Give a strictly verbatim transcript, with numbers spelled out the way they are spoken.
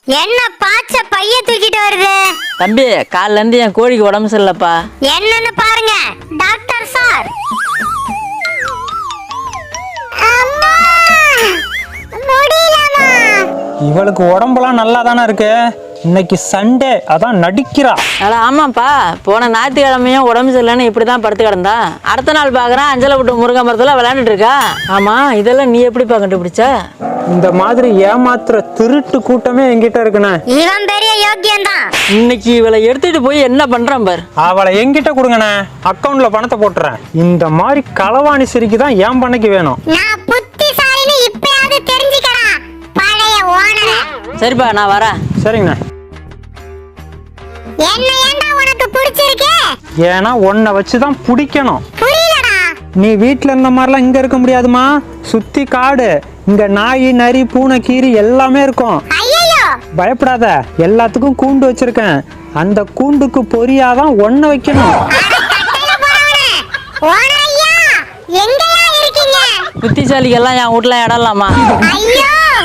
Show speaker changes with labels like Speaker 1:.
Speaker 1: என்ன பாச்ச பைய தூக்கிட்டு வருது?
Speaker 2: தம்பி காலைல இருந்து என் கோழிக்கு உடம்பு சரியில்லப்பா.
Speaker 1: என்னன்னு பாருங்க டாக்டர் சார். அம்மா முடியலமா.
Speaker 3: இவளுக்கு உடம்பெல்லாம் நல்லா தானே இருக்கு. இன்னைக்கு சண்டே அதான் நடிக்கிறா.
Speaker 2: அட ஆமாப்பா, போன ஞாயிற்றுக்கிழமையும் உடம்பு சரியில்லைன்னு இப்படி தான் படுத்து கிடந்தா. அடுத்த நாள் பார்க்குறேன் அஞ்சலை விட்டு முருங்கை மரத்தில் விளையாண்டுட்டு இருக்கா. ஆமா இதெல்லாம் நீ எப்படிப்பா கண்டுபிடிச்ச?
Speaker 3: இந்த மாதிரி ஏமாத்துற திருட்டு கூட்டமே என்கிட்ட இருக்குண்ணே.
Speaker 1: இவன் பெரிய யோக்கியம் தான்.
Speaker 2: இன்னைக்கு இவளை எடுத்துட்டு போய் என்ன பண்றான் பார்.
Speaker 3: அவளை என்கிட்ட கொடுங்கண்ணே, அக்கௌண்ட்ல பணத்தை போட்டுறேன். இந்த மாதிரி களவாணி சிரிக்கு தான் ஏன் பண்ணைக்கு வேணும்.
Speaker 1: நான் புத்திசாலின்னு இப்பயாவது தெரிஞ்சுக்கடா பழைய ஓனரே.
Speaker 2: சரிப்பா நான் வரேன்.
Speaker 3: சரிங்கண்ணே.
Speaker 1: என்ன ஏண்டா உனக்கு பிடிச்சிருக்கு?
Speaker 3: ஏன்னா உன்னை வச்சுதான் பிடிக்கணும்.
Speaker 1: புரியலடா.
Speaker 3: நீ வீட்டுல இருந்த மாதிரிலாம் இங்க இருக்க முடியாதுமா. சுத்தி காடு, இங்க நாய் நரி பூனை கீரி எல்லாமே இருக்கும்.
Speaker 1: ஐயோ
Speaker 3: பயப்படாத, எல்லாத்துக்கும் கூண்டு வச்சிருக்கேன். அந்த கூண்டுக்கு பொரியாதான் ஒன்ன வைக்கணும்.
Speaker 1: ஓனரையா எங்கயா இருக்கீங்க?
Speaker 2: புத்திசாலிக்கெல்லாம் என் வீட்டுல இடம்லாமா?
Speaker 1: ஐயோ